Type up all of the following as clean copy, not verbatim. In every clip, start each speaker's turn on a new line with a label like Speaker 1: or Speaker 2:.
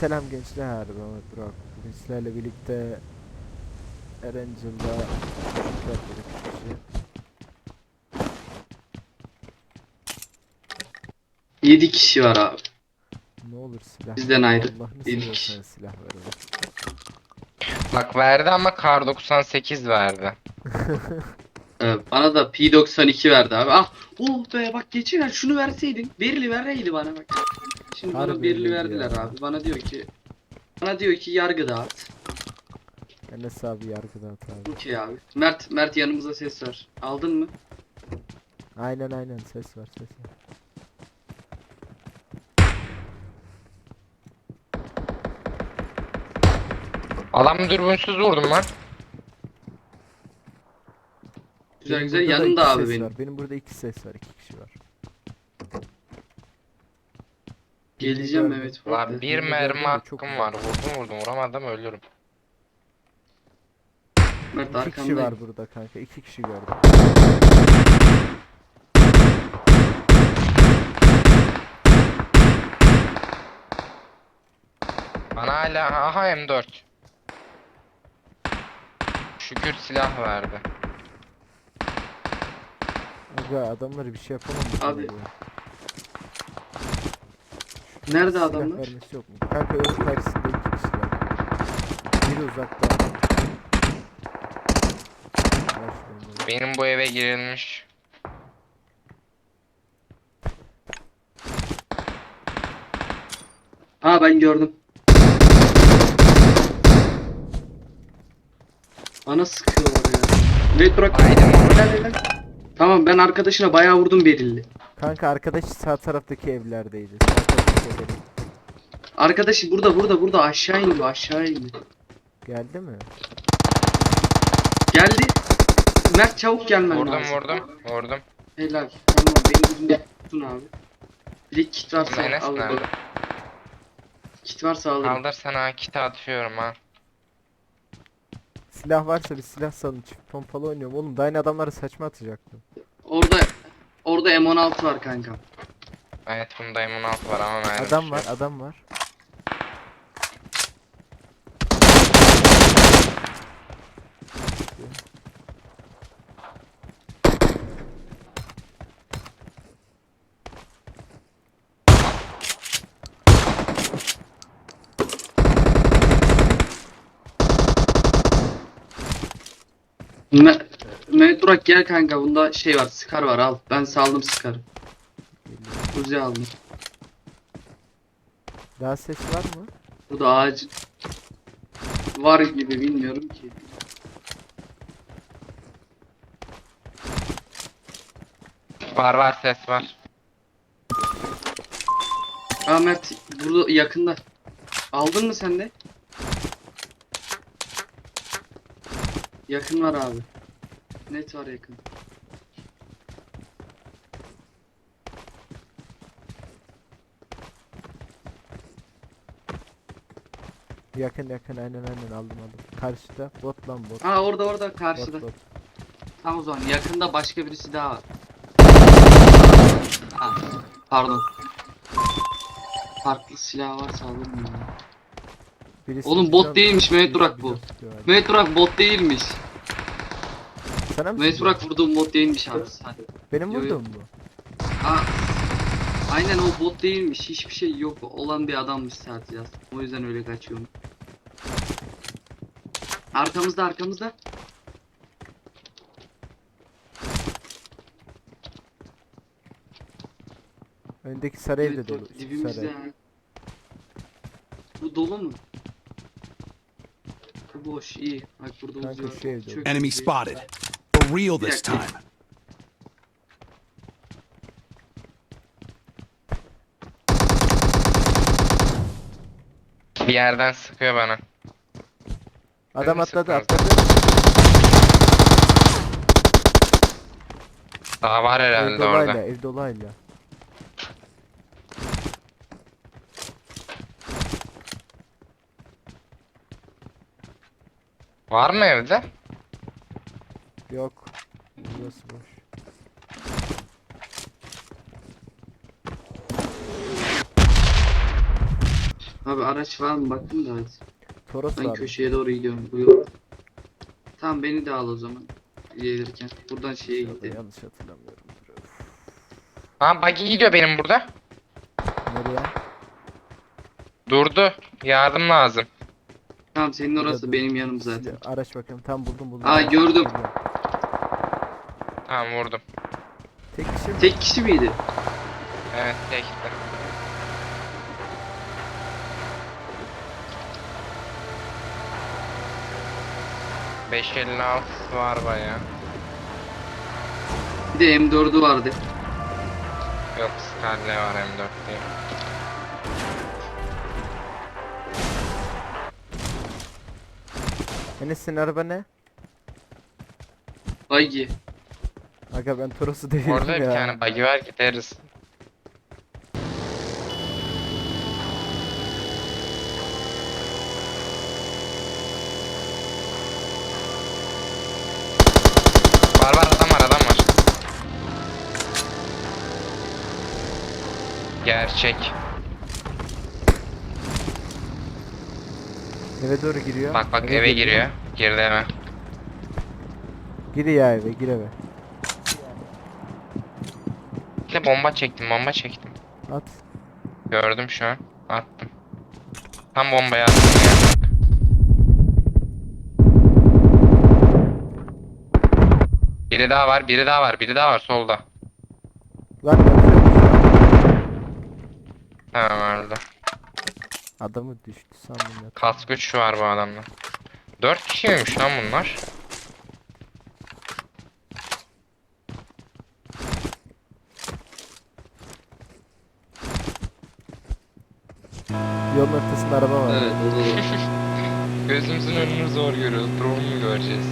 Speaker 1: Selam gençler, ben Mehmet Burak. Bugün sizlerle birlikte Erangel'da yaptık kişi.
Speaker 2: 7 kişi var abi.
Speaker 1: Ne olur silah
Speaker 2: Bizden
Speaker 1: ver.
Speaker 2: ayrı.
Speaker 1: Allah'ını
Speaker 2: 7 kişi.
Speaker 1: seviyorsan silah ver oğlum.
Speaker 3: Bak verdi ama kar 98 verdi.
Speaker 2: Bana da P92 verdi abi. Ah, oh be, bak geçen şunu verseydin. Berili vereydi bana bak. Şimdi bana
Speaker 1: Harbi
Speaker 2: berili
Speaker 1: öyleydi
Speaker 2: verdiler
Speaker 1: ya.
Speaker 2: abi. Bana diyor ki yargı dağıt.
Speaker 1: Enes abi yargıda at abi.
Speaker 2: Okey abi. Mert yanımıza ses ver. Aldın mı?
Speaker 1: Aynen ses var ses var.
Speaker 3: Adam dürbünsüz vurdum lan.
Speaker 2: Güzel
Speaker 1: Benim
Speaker 2: güzel
Speaker 1: burada da
Speaker 2: yanında
Speaker 1: iki
Speaker 2: abi
Speaker 1: ses
Speaker 2: benim.
Speaker 1: var. Benim burada iki ses var, iki kişi var.
Speaker 2: Geleceğim
Speaker 1: gördüm.
Speaker 2: Mehmet.
Speaker 3: Lan
Speaker 2: Bak.
Speaker 3: bir
Speaker 1: Birini
Speaker 3: mermi
Speaker 1: gördüm de çok
Speaker 3: hakkım
Speaker 1: uzak.
Speaker 3: var. Vurdum vuramadım ölürüm.
Speaker 2: Mert
Speaker 1: İki kişi
Speaker 2: arkandayım.
Speaker 1: var burada kanka, iki kişi gördüm.
Speaker 3: Bana hala aha M4. Şükür silah verdi.
Speaker 1: Aga adamları bir şey yapamam
Speaker 2: Abi.
Speaker 1: ya.
Speaker 2: Nerede
Speaker 1: Silah
Speaker 2: adamlar?
Speaker 1: vermesi yok mu? Kanka önün karşısında iki kişi var. Biri uzakta. Başlıyorum.
Speaker 3: Benim bu eve girilmiş.
Speaker 2: Ha, ben gördüm. Bana sıkıyorlar ya. Mehmet bırak.
Speaker 3: Haydi mi?
Speaker 2: Helal. Tamam, ben arkadaşına bayağı vurdum berilli.
Speaker 1: Kanka arkadaş sağ taraftaki evlerdeydi. Sağ taraftaki evlerin.
Speaker 2: Arkadaşı burada aşağı indi, aşağı indi.
Speaker 1: Geldi mi?
Speaker 2: Geldi. Mert çabuk gelmen
Speaker 3: Vurdum
Speaker 2: lazım.
Speaker 3: vurdum.
Speaker 2: Helal. Tamam, benim yüzümde tutun abi. Bir de kit varsa
Speaker 3: Enes
Speaker 2: al.
Speaker 3: nerede?
Speaker 2: Kit varsa alırım.
Speaker 3: Kaldır sana kit atıyorum ha.
Speaker 1: Silah varsa bir silah salın. Çift pompalı oynuyorum. Oğlum daha yine adamları saçma atacaktım.
Speaker 2: Orada M16 var kanka.
Speaker 3: Evet bunda M16 var ama mermi
Speaker 1: Adam
Speaker 3: yok.
Speaker 1: var, adam var.
Speaker 2: Me Mehmet Burak gel kanka, bunda şey var, Scar var, al. Ben saldım Scar'ı.
Speaker 1: Geliyor.
Speaker 2: Uzi aldım.
Speaker 1: Daha ses var mı?
Speaker 2: Burada ağaç var gibi, bilmiyorum ki.
Speaker 3: Var ses var.
Speaker 2: Aa, Mert burada yakında. Aldın mı sen de? Yakın var abi. Net var yakın.
Speaker 1: Yakın aynen aldım. Karşıda bot lan bot.
Speaker 2: Aa, orada karşıda.
Speaker 1: Bot.
Speaker 2: Tamam, o zaman yakında başka birisi daha var. Ha, pardon. Farklı silah varsa alırım ya.
Speaker 1: Birisi
Speaker 2: Oğlum bot
Speaker 1: bize-
Speaker 2: değilmiş Mehmet
Speaker 1: birisi
Speaker 2: Burak
Speaker 1: bize
Speaker 2: bu.
Speaker 1: tutuyor abi.
Speaker 2: Mehmet Burak bot değilmiş.
Speaker 1: Sana mı
Speaker 2: Mehmet
Speaker 1: tutuyor?
Speaker 2: Burak vurduğum bot değilmiş abi. Hadi.
Speaker 1: Benim
Speaker 2: Yo, yo.
Speaker 1: vurduğum mu?
Speaker 2: Aa, aynen, o bot değilmiş. Hiçbir şey yok olan bir adammış sadece. O yüzden öyle kaçıyorum. Arkamızda.
Speaker 1: Öndeki sarı evde
Speaker 2: Evet,
Speaker 1: dolu.
Speaker 2: bak, dibimizde
Speaker 1: Sarı.
Speaker 2: ya. Bu dolu mu? Bu boş, iyi. Bak burada
Speaker 1: Kanka
Speaker 2: uzuyor.
Speaker 1: şu evde.
Speaker 2: Çök
Speaker 4: Enemy
Speaker 2: bizi.
Speaker 4: spotted. For real
Speaker 2: Bir
Speaker 4: this
Speaker 2: dakika.
Speaker 4: time.
Speaker 3: Bir yerden sıkıyor bana.
Speaker 1: Adam
Speaker 3: mi
Speaker 1: atladı.
Speaker 3: sıktınız? Daha var
Speaker 1: Ev
Speaker 3: herhalde
Speaker 1: dolayla,
Speaker 3: orada.
Speaker 1: ev dolayla.
Speaker 3: Var mı evde?
Speaker 1: Yok. Burası boş.
Speaker 2: Abi araç var mı bakın da hadi.
Speaker 1: Toros
Speaker 2: Ben
Speaker 1: var.
Speaker 2: köşeye doğru gidiyorum. Buyur. Tamam beni de al o zaman. Gelirken. Buradan şeye
Speaker 1: Ya da
Speaker 2: gidelim.
Speaker 1: yanlış hatırlamıyorum. Öf.
Speaker 3: Ha buggy gidiyor benim burada.
Speaker 1: Nereye?
Speaker 3: Durdu. Yardım lazım.
Speaker 2: Tamam senin
Speaker 1: Burada
Speaker 2: orası
Speaker 1: dur.
Speaker 2: benim yanım zaten.
Speaker 1: Araç bakıyorum. Tam buldum.
Speaker 2: Aa,
Speaker 1: Araç
Speaker 2: gördüm.
Speaker 1: geliyor.
Speaker 3: Tamam vurdum.
Speaker 1: Tek kişi mi?
Speaker 2: Tek kişi miydi?
Speaker 3: Evet tekti. ...556 var baya.
Speaker 2: Bir de M4'ü vardı.
Speaker 3: Yok Scarlet var M4 diye.
Speaker 1: Enes senin araba ne?
Speaker 2: Buggy.
Speaker 1: Aga ben Toros'u devirdim
Speaker 3: Orada bir
Speaker 1: ya.
Speaker 3: tane buggy var gideriz. Var adam var. Gerçek.
Speaker 1: Eve doğru giriyor.
Speaker 3: Bak eve giriyor. Girdi hemen.
Speaker 1: Gir ya eve, gir eve.
Speaker 3: Bir de bomba çektim.
Speaker 1: At.
Speaker 3: Gördüm şu an. Attım. Tam bombayı attım ya. Biri daha var solda.
Speaker 1: Lan yapıyormuş.
Speaker 3: Tamam öldü.
Speaker 1: Adamı düştü sandım ya.
Speaker 3: Kas güç var bu adamda. 4 kişiymiş lan bunlar.
Speaker 1: Yolun ortasında araba var.
Speaker 2: Evet o da var.
Speaker 3: Gözümüzün önünü zor görüyoruz. Drone mu göreceğiz?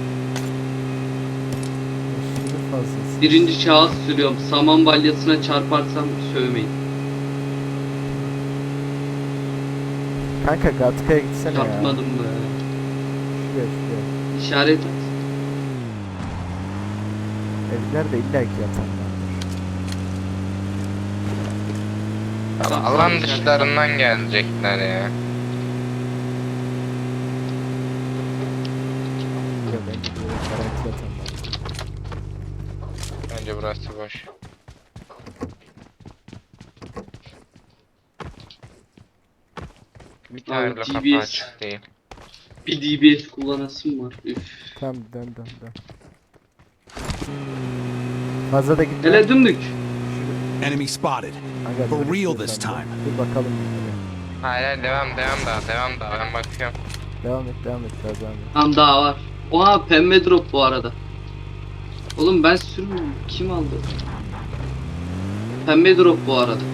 Speaker 1: Aşırı fazlası.
Speaker 2: Birinci şahıs sürüyorum. Saman balyasına çarparsam sövmeyin.
Speaker 1: Kanka Gatka'ya gitsene ya.
Speaker 2: Çarpmadım be.
Speaker 1: Şuraya.
Speaker 2: İşaret at.
Speaker 1: Evlerde illaki yatanlar.
Speaker 2: Tamam,
Speaker 3: Alan
Speaker 2: tamam,
Speaker 3: dışlarından gelecekler ya.
Speaker 1: Ya bence böyle garanti yatanlar.
Speaker 3: Bence burası boş. Bir tane
Speaker 2: Abi,
Speaker 3: bile kapı
Speaker 2: DBS.
Speaker 3: açık değil.
Speaker 2: Bir DBS kullanasım var. Üf.
Speaker 1: Tamam dön. Fazla da gitme.
Speaker 2: Hele dümdük.
Speaker 4: Enemy spotted.
Speaker 1: Aga,
Speaker 4: For
Speaker 1: dur
Speaker 4: real
Speaker 1: istiyorsan
Speaker 4: this
Speaker 1: dur.
Speaker 4: time.
Speaker 1: Dur bakalım.
Speaker 3: Hayır devam daha ben bakıyorum.
Speaker 1: Devam et daha devam et.
Speaker 2: Tam daha var. Oha pembe drop bu arada. Oğlum ben sürmüyorum. Kim aldı? Pembe drop bu arada.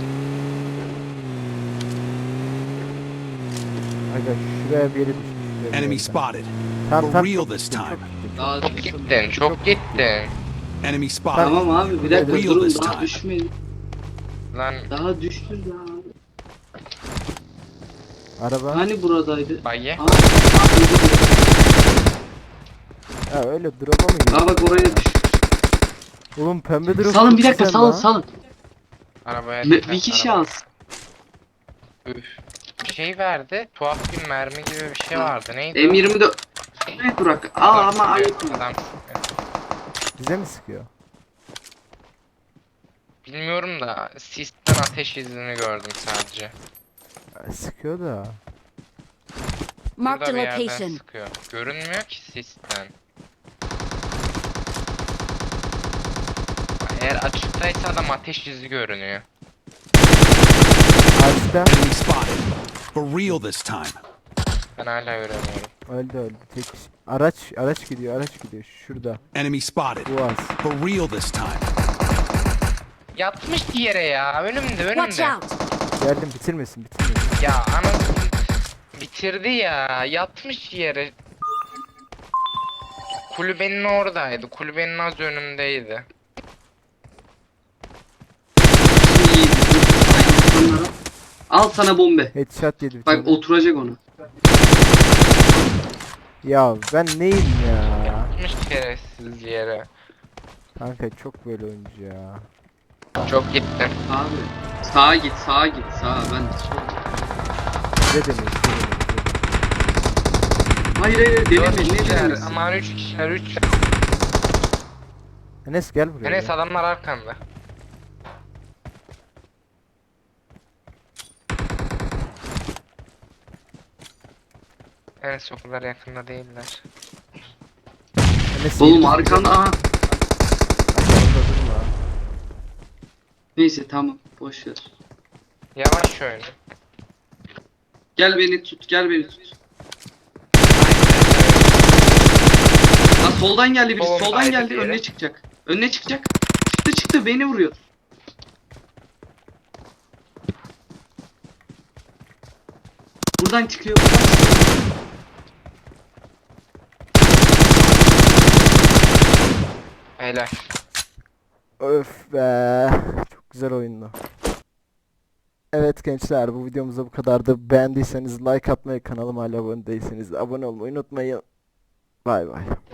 Speaker 1: Aga şuraya bir yere düşmüş. şuraya bir
Speaker 4: Enemy
Speaker 1: yerden.
Speaker 4: spotted.
Speaker 1: Tamam,
Speaker 4: For real
Speaker 1: çok
Speaker 4: this
Speaker 1: gittin,
Speaker 4: time.
Speaker 2: Daha
Speaker 3: Çok gittin.
Speaker 4: Enemy spotted.
Speaker 2: Tamam abi bir dakika
Speaker 4: Real
Speaker 2: durun
Speaker 4: this
Speaker 2: daha
Speaker 4: time.
Speaker 2: düşmedi.
Speaker 3: Lan
Speaker 2: Daha düştü daha abi.
Speaker 1: Araba.
Speaker 2: Hani buradaydı?
Speaker 3: buggy.
Speaker 2: Aa,
Speaker 1: Ha öyle drop'a mı gidiyor?
Speaker 2: aa bak oraya düş.
Speaker 1: Oğlum pembe drop.
Speaker 2: Salın
Speaker 1: çok
Speaker 2: bir dakika
Speaker 1: güzel
Speaker 2: salın
Speaker 1: lan.
Speaker 2: salın.
Speaker 3: Arabaya
Speaker 2: Bir kişi
Speaker 3: araba.
Speaker 2: alsın.
Speaker 3: Üf. Bir şey verdi. Tuhaf bir mermi gibi bir şey vardı. Neydi? o?
Speaker 2: M24. Evet Burak. Aa
Speaker 3: Adam
Speaker 2: ama
Speaker 3: sıkıyor,
Speaker 2: ayıp mı?
Speaker 3: adam sıkıyor.
Speaker 1: Bize mi sıkıyor?
Speaker 3: Bilmiyorum da sisten ateş izini gördüm sadece.
Speaker 1: Sıkıyor da.
Speaker 5: Marked
Speaker 3: Burada
Speaker 5: a
Speaker 3: bir yerden
Speaker 5: location.
Speaker 3: sıkıyor. Görünmüyor ki sisten. Eğer açıktaysa adam ateş izi görünüyor.
Speaker 1: Ağaçta.
Speaker 4: Enemy spotted. For real this time.
Speaker 3: Ben hala göremiyorum.
Speaker 1: Öldü. Tek kişi. Araç gidiyor. Şurada.
Speaker 4: Enemy spotted.
Speaker 1: Bu az.
Speaker 4: For real this time.
Speaker 3: Yatmış yere ya. Önümde.
Speaker 5: Watch out!
Speaker 1: Geldim bitirmesin.
Speaker 3: Ya anasını bitirdi ya. Yatmış yere. Kulübenin oradaydı. Kulübenin az önündeydi.
Speaker 2: Şimdi iyiydi. Dur, insanlara. Al sana bombe.
Speaker 1: Headshot yedi bir
Speaker 2: Bak
Speaker 1: tane.
Speaker 2: oturacak onu.
Speaker 1: Ya ben neyim ya?
Speaker 3: Yatmış şerefsiz yere.
Speaker 1: Kanka çok böyle oyuncu ya.
Speaker 3: Çok gittim.
Speaker 2: Abi. Sağa git sağa. Ben
Speaker 1: Size demeyin, size demeyin.
Speaker 2: Hayır hayır
Speaker 3: Dört
Speaker 2: deneme ne
Speaker 3: kişiler.
Speaker 2: denemesi?
Speaker 3: Aman 3 kişiler 3.
Speaker 1: Enes gel buraya.
Speaker 3: Enes
Speaker 1: ya.
Speaker 3: adamlar arkanda. Enes o kadar yakında değiller.
Speaker 1: Enes
Speaker 2: Oğlum
Speaker 1: yedi-
Speaker 2: arkanda aha.
Speaker 1: Arkanda durma.
Speaker 2: Neyse tamam boş ver.
Speaker 3: Yavaş oyna.
Speaker 2: Gel beni tut gel beni tut. Ha soldan geldi birisi
Speaker 3: Soldan
Speaker 2: soldan geldi
Speaker 3: diğeri.
Speaker 2: önüne çıkacak. Önüne çıkacak. Çıktı beni vuruyor. Buradan çıkıyor. Buradan çıkıyor.
Speaker 3: Helal.
Speaker 1: Öf be. Çok güzel oyundu. Evet gençler, bu videomuzda bu kadardı. Beğendiyseniz like atmayı, kanalıma hala abone değilseniz de abone olmayı unutmayın. Bay bay.